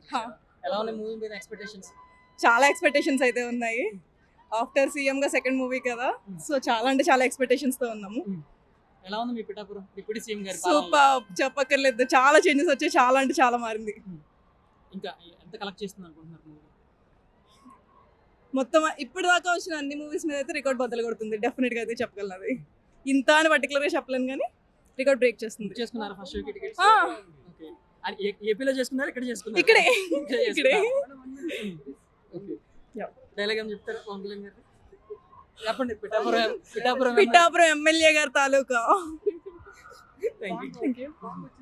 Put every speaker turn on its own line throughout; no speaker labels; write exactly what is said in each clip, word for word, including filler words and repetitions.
హా.
ఎలా ఉన్నాయి మూవీ మీద ఎక్స్పెక్టేషన్స్?
చాలా ఎక్స్పెక్టేషన్స్ అయితే ఉన్నాయి. ఆఫ్టర్ సీఎం గా సెకండ్ మూవీ కదా, సో చాలా అంటే చాలా ఎక్స్పెక్టేషన్స్ తో ఉన్నాము.
ఎలా ఉంది మీ పిఠాపురం డిప్యూటీ సీఎం గారి పాలన?
సూపర్, చెప్పక్కర్లేదు, చాలా చేంజెస్ వచ్చాయి, చాలా అంటే చాలా మారింది.
ఇంకా ఎంత కలెక్ట్ చేస్తుంది అనుకుంటున్నారు మూవీ?
మొత్తం ఇప్పుడు దాకా వచ్చిన అన్ని మూవీస్ మీద అయితే రికార్డ్ బద్దలు కొడుతుంది, డెఫినెట్ గా అయితే చెప్పగలను. అది ఇంత అని పర్టికులర్ గా చెప్పలేను కానీ రికార్డ్ బ్రేక్ చేస్తుంది.
బుక్ చేసుకున్నారా ఫస్ట్ షోకి టికెట్స్?
ఆ.
ఓకే. అది ఏ- ఏపీలో చేసుకున్నారా ఇక్కడ చేసుకున్నారా?
ఇక్కడే
ఇక్కడే
ఇక్కడే
చేసుకున్నారా? ఓకే. డైలాగ్ ఏం చెప్తారు పవన్ కళ్యాణ్ గారు? చెప్పండి. పిఠాపురం పిఠాపురం
పిఠాపురం ఎమ్మెల్యే గారి తాలూకా.
Thank you.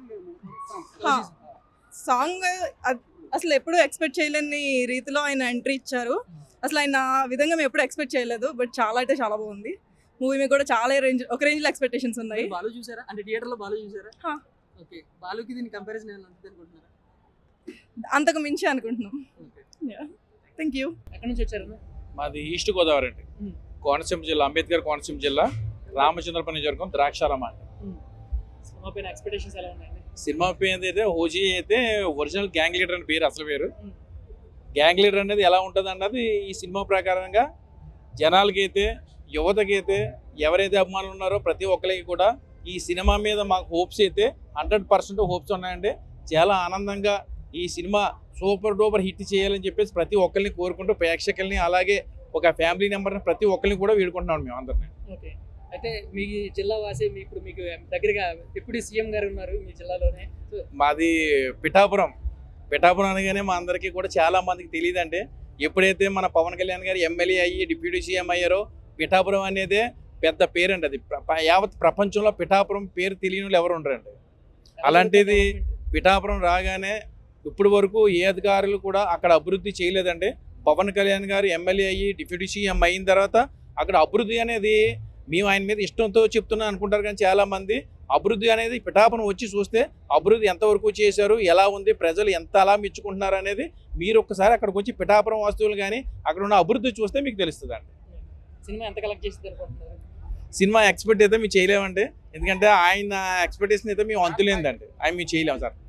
సాంగ్ అసలు ఎప్పుడు ఎక్స్పెక్ట్ చేయలేని రీతిలో ఆయన ఎంట్రీ ఇచ్చారు. అసలు ఆయన ఆ విధంగా మేము ఎప్పుడు ఎక్స్పెక్ట్ చేయలేదు, బట్ చాలా అంటే చాలా బాగుంది. మూవీ మీద కూడా చాలా రేంజ్ ఒక రేంజ్ లో ఎక్స్పెక్టేషన్స్ ఉన్నాయి.
మీరు బాలు చూసారా? అంటే థియేటర్ లో బాలు చూసారా?
హా.
ఓకే. బాలుకి దీని కంపారిజన్ ఏమైనా ఉంటుంది అనుకుంటున్నారా?
అంతకు మించి అనుకుంటున్నాం.
ఓకే.
Thank you.
ఎక్కడి నుంచి వచ్చారు?
మాది ఈస్ట్ గోదావరి అండి,
మ్మ్.
కోనసీమ జిల్లా, అంబేద్కర్ కోనసీమ జిల్లా, రామచంద్రపల్లి నియోజకవర్గం, ద్రాక్షారామ అండి.
సినిమా పైన ఎక్స్పెక్టేషన్స్ ఎలా ఉన్నాయండి?
సినిమా పేరు అయితే ఓజీ అయితే ఒరిజినల్ గ్యాంగ్ లీడర్ అని పేరు, అసలు పేరు.
మ్మ్.
గ్యాంగ్ లీడర్ అనేది ఎలా ఉంటుంది అన్నది ఈ సినిమా ప్రకారంగా జనాలకైతే, యువతకైతే, ఎవరైతే అభిమానులు ఉన్నారో ప్రతి ఒక్కరికి కూడా ఈ సినిమా మీద మాకు హోప్స్ అయితే హండ్రెడ్ పర్సెంట్ హోప్స్ ఉన్నాయండి. చాలా ఆనందంగా ఈ సినిమా సూపర్ డూపర్ హిట్ చేయాలని చెప్పేసి ప్రతి ఒక్కరిని కోరుకుంటూ ప్రేక్షకుల్ని, అలాగే ఒక ఫ్యామిలీ మెంబర్ని ప్రతి ఒక్కరిని కూడా వేడుకుంటున్నాం మేము అందరినీ.
ఓకే. అయితే మీ జిల్లా వాసి మీ ఇప్పుడు మీకు దగ్గరగా డిప్యూటీ సీఎం గారు ఉన్నారు మీ జిల్లాలోనే. సో
మాది పిఠాపురం. పిఠాపురం అనగానే మా అందరికీ కూడా చాలా మందికి తెలియదండి. ఎప్పుడైతే మన పవన్ కళ్యాణ్ గారు ఎమ్మెల్యే అయ్యి డిప్యూటీ సీఎం అయ్యారో పిఠాపురం అనేది పెద్ద పేరండి. అది ప్ర- యావత్ ప్రపంచంలో పిఠాపురం పేరు తెలియని వాళ్ళు ఎవరు ఉండరండి. అలాంటిది పిఠాపురం రాగానే ఇప్పటి వరకు ఏ అధికారులు కూడా అక్కడ అభివృద్ధి చేయలేదండి. పవన్ కళ్యాణ్ గారు ఎమ్మెల్యే అయ్యి డిప్యూటీ సీఎం అయిన తర్వాత అక్కడ అభివృద్ధి అనేది మేము ఆయన మీద ఇష్టంతో చెప్తున్నాం అనుకుంటారు, కానీ చాలామంది అభివృద్ధి అనేది పిఠాపురం వచ్చి చూస్తే అభివృద్ధి ఎంతవరకు చేశారు, ఎలా ఉంది, ప్రజలు ఎంత అలా మెచ్చుకుంటున్నారు అనేది మీరు ఒక్కసారి అక్కడికి వచ్చి పిఠాపురం వస్తువులు కానీ అక్కడ ఉన్న అభివృద్ధి చూస్తే మీకు తెలుస్తుందండి.
సినిమా ఎంత కలెక్ట్ చేసింది అనుకుంటున్నారు?
సినిమా ఎక్స్పెక్ట్ అయితే మేము చేయలేమండి, ఎందుకంటే ఆయన ఎక్స్పెక్టేషన్ అయితే మేము అంతులేదండి, ఆయన మేము చేయలేము సార్.